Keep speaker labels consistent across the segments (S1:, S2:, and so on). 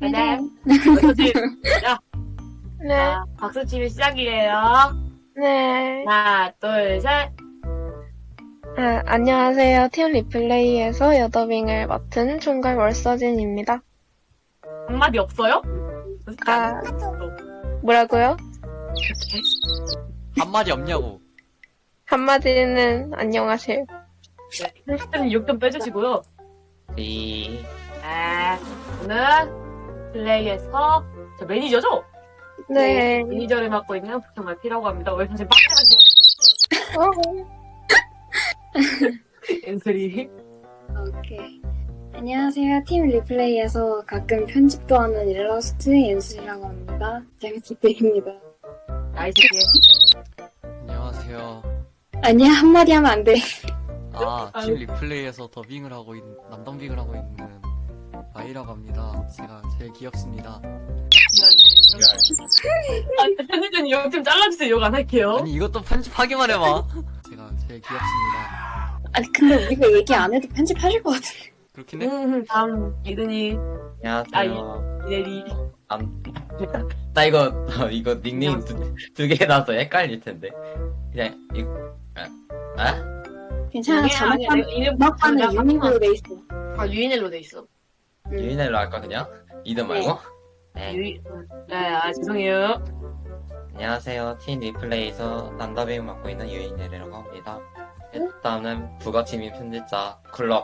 S1: 네. 야,
S2: 네,
S1: 자, 박수치면 시작이에요.
S2: 네.
S1: 하나, 둘, 셋.
S2: 안녕하세요. 팀 리플레이에서 여더빙을 맡은 총괄 월서진입니다.
S1: 한마디 없어요?
S2: 아, 뭐라고요?
S3: 한마디 없냐고.
S2: 한마디는 안녕하세요.
S1: 네, 힐스님 욕좀 빼주시고요.
S4: 이
S1: 오늘 플레이에서 저 매니저죠?
S2: 네.
S1: 매니저를 맡고 있는 북경말 P라고 합니다. 왜 사실 빡빡하지? 엔소리.
S5: 오케이. 안녕하세요. 팀 리플레이에서 가끔 편집도 하는 일러스트의 연수이라고 합니다. 잘 부탁드립니다.
S1: 나이스.
S3: 안녕하세요.
S5: 아니야, 한마디 하면 안 돼.
S3: 팀 리플레이에서 더빙을 하고 있는, 남더빙을 하고 있는 아이라고 합니다. 제가 제일 귀엽습니다.
S1: 편집자님 욕 좀 잘라주세요. 욕 안 할게요.
S3: 아니, 이것도 편집하기만 해봐. 제가 제일 귀엽습니다.
S5: 아니, 근데 우리가 얘기 안 해도 편집하실 것 같은데.
S3: 그렇긴 해?
S1: 다음, 이든이,
S4: 안녕하세요.
S1: 이대리.
S4: 나 이거 닉네임 두 개 나서 헷갈릴 텐데. 그냥
S5: 괜찮아, 자막판에
S1: 내가
S5: 유민으로 돼 있어.
S1: 유인엘로 돼 있어.
S4: 유인엘로 할까 그냥? 이름 말고?
S1: 네, 죄송해요.
S4: 안녕하세요. 팀 리플레이에서 남더빙 맡고 있는 유인엘이라고 합니다. 일단은 부가팀인 편집자 클럽.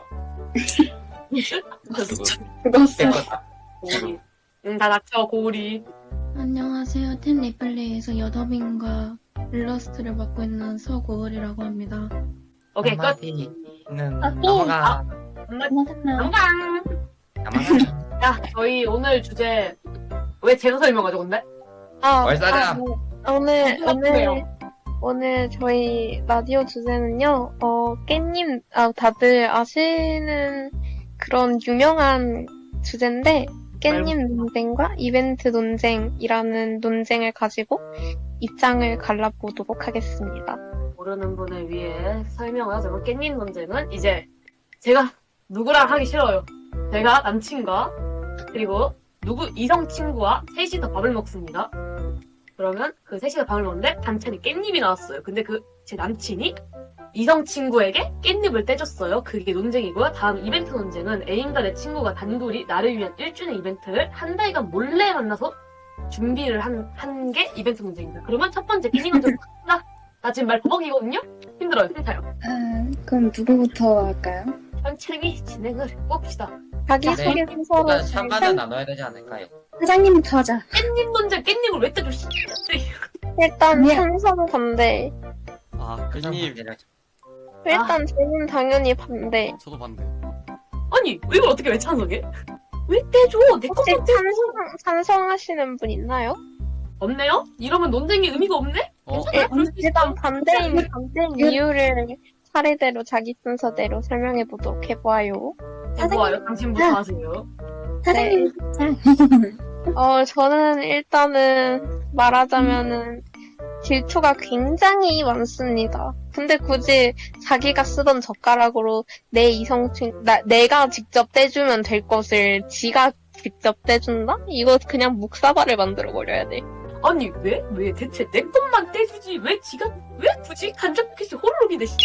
S5: 죽었어.
S1: 다 닥쳐, 고우리.
S6: 안녕하세요. 팀 리플레이에서 여더빙과 일러스트를 맡고 있는 서고을이라고 합니다.
S1: 오케이, 끝.
S4: 한마디는 넘어가.
S1: 건강.
S4: 넘어가.
S1: 야, 저희 오늘 주제, 왜 제가 설명하죠, 근데?
S4: 월사장.
S2: 오늘 저희 라디오 주제는요, 깻님, 다들 아시는 그런 유명한 주제인데, 깻님 논쟁과 이벤트 논쟁이라는 논쟁을 가지고 입장을 갈라보도록 하겠습니다.
S1: 모르는 분을 위해 설명을 하자면, 깻잎 논쟁은 이제, 제가 누구랑 하기 싫어요. 제가 남친과, 그리고 이성 친구와 셋이서 밥을 먹습니다. 그러면 그 셋이서 밥을 먹는데 반찬이 깻잎이 나왔어요. 근데 제 남친이 이성 친구에게 깻잎을 떼줬어요. 그게 논쟁이고요. 다음 이벤트 논쟁은 애인과 내 친구가 단둘이 나를 위한 1주년 이벤트를 한 달간 몰래 만나서 준비를 한 게 이벤트 논쟁입니다. 그러면 첫 번째 깻잎 논쟁 갑니다. 나 지금 말 버벅이거든요? 힘들어요. 힘들어요.
S5: 그럼 누구부터 할까요?
S1: 천천히 진행을 해봅시다.
S2: 자기소개 순서로
S4: 일단 찬반은 나눠야 되지 않을까요?
S5: 사장님부터 하자.
S1: 깻잎 논쟁, 깻잎을 왜 떼줘?
S2: 일단
S5: 아니야.
S2: 찬성 반대.
S3: 깻잎.
S2: 일단 저는 당연히 반대.
S3: 저도 반대.
S1: 아니, 이걸 어떻게 왜 찬성해? 왜 떼줘? 내
S2: 혹시
S1: 것만 떼줘.
S2: 찬성하시는 분 있나요?
S1: 없네요? 이러면 논쟁이 의미가 없네? 괜찮아요? 그럴 수 있어.
S2: 일단 반대인 이유를 차례대로 자기 순서대로 설명해 보도록 해봐요.
S1: 좋아요. 당신부터 하세요.
S5: 사장님부터 하자.
S2: 저는 일단은 말하자면은 질투가 굉장히 많습니다. 근데 굳이 자기가 쓰던 젓가락으로 내가 직접 떼주면 될 것을 지가 직접 떼준다? 이거 그냥 묵사발을 만들어 버려야 돼.
S1: 아니, 왜 대체 내 것만 떼주지? 왜 굳이 간접캐시 호로록이 돼?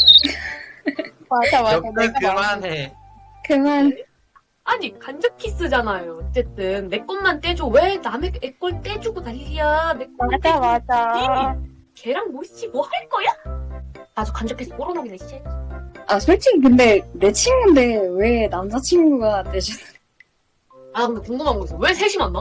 S2: 맞아.
S4: 그만해.
S5: 그만.
S1: 아니, 간접 키스잖아요. 어쨌든 내 것만 떼줘. 왜 남의 애 걸 떼주고 난리야? 내 것만 떼줘.
S2: 맞아.
S1: 걔랑 뭐 할 거야? 아주 간접 키스 호로록이네, 씨.
S5: 솔직히 근데 내 친구인데 왜 남자친구가 되시는
S1: 근데 궁금한 거 있어. 왜 셋이 만나?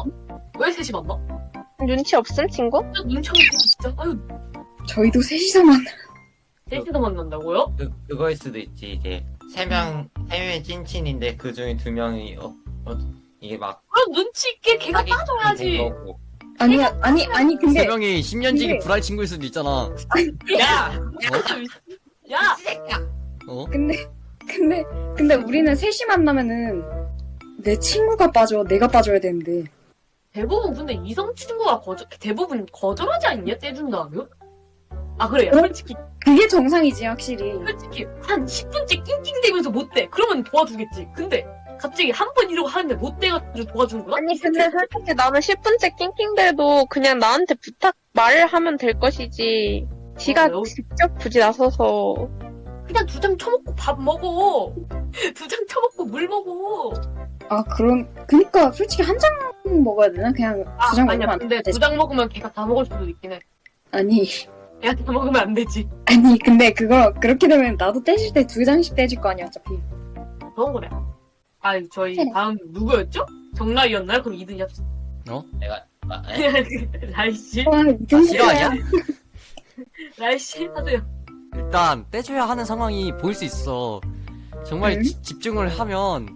S2: 눈치 없음 친구?
S1: 진짜 눈치 없는 새끼 진짜. 아유,
S5: 저희도 셋이서 만나.
S1: 셋이서 만난다고요?
S4: 그거일 수도 있지. 이제 세 명이 찐친인데 그 중에 두 명이 이게 막
S1: 그럼 눈치 있게 걔가
S4: 사기
S1: 빠져야지.
S4: 된 거고.
S5: 아니 근데
S3: 세 명이 10년지기
S5: 근데-
S3: 불알 친구일 수도 있잖아.
S1: 야! 야!
S3: 어?
S5: 근데 우리는 셋이 만나면은 내 친구가 빠져, 내가 빠져야 되는데.
S1: 대부분 근데 이성 친구가 대부분 거절하지 않냐? 떼준다면? 그래요.
S5: 어?
S1: 솔직히
S5: 그게 정상이지, 확실히.
S1: 한 10분째 낑낑대면서 못 떼. 그러면 이러면 도와주겠지. 근데 갑자기 한 번 이러고 하는데 못 돼가지고 도와주는 거야?
S2: 아니 근데 솔직히 나는 10분째 낑낑대도 그냥 나한테 부탁 말을 하면 될 것이지. 지가
S1: 여기-
S2: 직접 굳이 나서서
S1: 그냥 2장 쳐먹고 밥 먹어. 2장 쳐먹고 물 먹어.
S5: 그니까 솔직히 한 장 먹어야 되나? 그냥
S1: 아,
S5: 두 장
S1: 아니야.
S5: 먹으면 안
S1: 근데
S5: 되지.
S1: 2장 먹으면 걔가 다 먹을 수도 있긴 해.
S5: 아니,
S1: 걔가 다 먹으면 안 되지.
S5: 아니, 근데 그렇게 되면 나도 떼질 때 2장씩 떼질 거 아니야, 어차피.
S1: 그런 거래. 아, 저희
S5: 그래.
S1: 다음 누구였죠? 정라이였나요? 그럼 2등이 합시다.
S4: 내가
S1: 라이씨?
S5: 와,
S3: 아, 싫어 아니야?
S1: 라이씨? 하세요.
S3: 일단 떼줘야 하는 상황이 보일 수 있어. 정말
S5: 응?
S3: 집중을 하면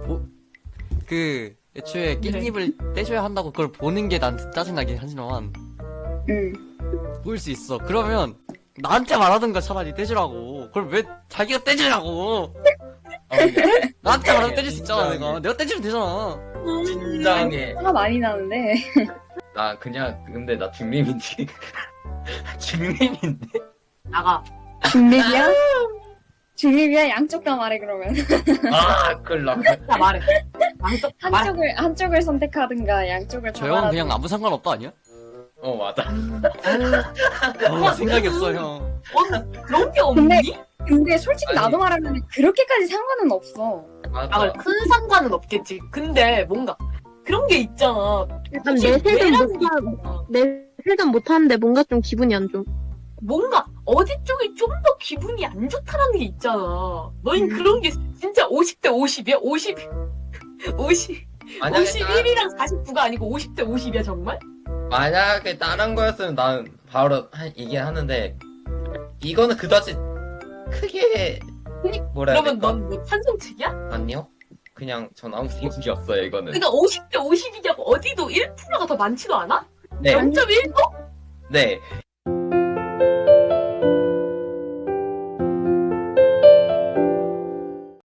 S3: 애초에 깻잎을 떼줘야 한다고 그걸 보는 게 난 짜증나긴 하지만
S5: 응.
S3: 보일 수 있어. 그러면 나한테 말하든가 차라리 떼주라고. 그걸 왜 자기가 떼주라고? 나한테 말하면 떼줄 수 있잖아. 내가 떼주면 되잖아.
S4: 진작에
S5: 화가 많이 나는데.
S4: 나 그냥 근데 나 중립인데 중립인데
S1: 나가.
S5: 중립이야? 중립이야? 양쪽 다 말해, 그러면.
S4: 끌라
S1: 다 말해. 양쪽 다 말해.
S5: 한쪽을 선택하든가, 양쪽을 다
S3: 저 형은
S5: 말하든가.
S3: 그냥 아무 상관없다 아니야?
S4: 맞아.
S3: 생각이 없어 형.
S1: 그런 게 없니?
S5: 근데 솔직히
S4: 아니.
S5: 나도 말하면 그렇게까지 상관은 없어.
S4: 맞아.
S1: 큰 상관은 없겠지. 근데 뭔가 그런 게 있잖아.
S2: 일단
S1: 굳이
S2: 내색은
S1: 왜라는 게
S2: 못하
S1: 있잖아.
S2: 내색은 못하는데 뭔가 좀 기분이 안 좋아.
S1: 뭔가 어디 쪽이 좀 더 기분이 안 좋다라는 게 있잖아. 너흰 그런 게 진짜 50대 50이야? 50
S4: 만약에
S1: 51이랑 49가 아니고 50대 50이야 정말?
S4: 만약에 다른 거였으면 난 바로 이게 하는데 이거는 그다지 크게 뭐라 해야
S1: 그러면
S4: 될까?
S1: 넌 뭐 찬성 측이야?
S4: 아니요. 그냥 전 아무 생각이 없어요 이거는.
S1: 그러니까 50대 50이냐고 어디도 1%가 더 많지도 않아?
S4: 네.
S1: 0.1%?
S4: 네.